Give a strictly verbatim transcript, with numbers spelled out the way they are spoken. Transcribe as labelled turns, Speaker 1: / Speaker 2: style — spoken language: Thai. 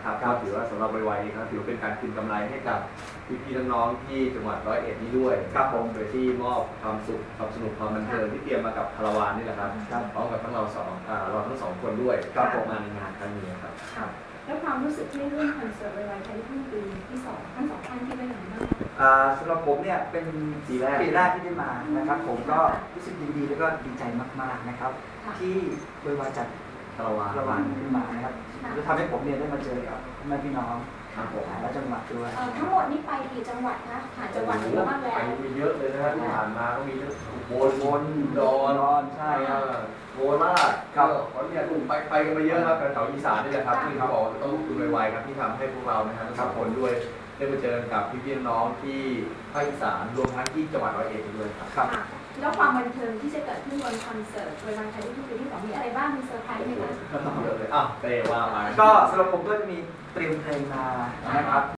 Speaker 1: นะครับก็ถือว่าสำหรับไวๆครับถือเป็นการคืนกำไรให้กับพี่ๆน้องๆที่จังหวัดร้อยเอ็ดนี้ด้วยครับผมโดยที่มอบความสุขความสนุกความบันเทิงที่เตรียมมากับคาราวานนี่แหละครับพร้อมกับทั้งเราสองเราทั้งสองคนด้วยครับผมมาในงานครั้งนี้ครับ
Speaker 2: แล้วความรู้สึกที่ได้ร่วมคอนเสิร์ตไวๆไทยทุ่งปีที่สองทั้งสองท่านที่ได้อย่างไรบ้าง
Speaker 3: สำหรับผมเนี่ยเป็นปีแรกปีแรกที่ได้มานะครับผมก็รู้สึกยินดีแล้วก็ดีใจมากๆนะครับที่ไวๆจัด
Speaker 1: คาราวาน
Speaker 3: คาราวานขึ้นมานะครับจะทำให้ผมเนี่ยได้มาเจอกับแม่พี่น้องและจังหวัดด้วย
Speaker 2: ทั้งหมดนี้ไปกี่จังหวัดคะผ่านจังหวัดหรือบ้างแล้ว
Speaker 1: ไปเยอะเลยนะครับที่ผ่านมาก็มีทั้งโบนโบนดอนใช่ครับโคราชก็ขอนแก่นไปไปกันมาเยอะครับแถวอีสานนี่แหละครับที่เขาบอกต้องลุกขึ้นไวๆครับที่ทำให้พวกเรานะครับทั้งคนด้วยได้มาเจอกับพี่ๆน้องที่ภาคอีสานรวมทั้งที่จังหวัดร้อยเอ็ดด้วยครับ
Speaker 2: แล้วความบันเทิงที่จะเกิดขึ้นบนคอนเสิร์ตไวๆไทยทุ่งปีที่สองมีอะไรบ้างมีเซอร์ไพรส์ไหมคะ
Speaker 1: เยอะเลยอ้าวเตะว่ามา
Speaker 3: ก็สำหรับผมก็จะมีเตรียมเพลงมานะครับ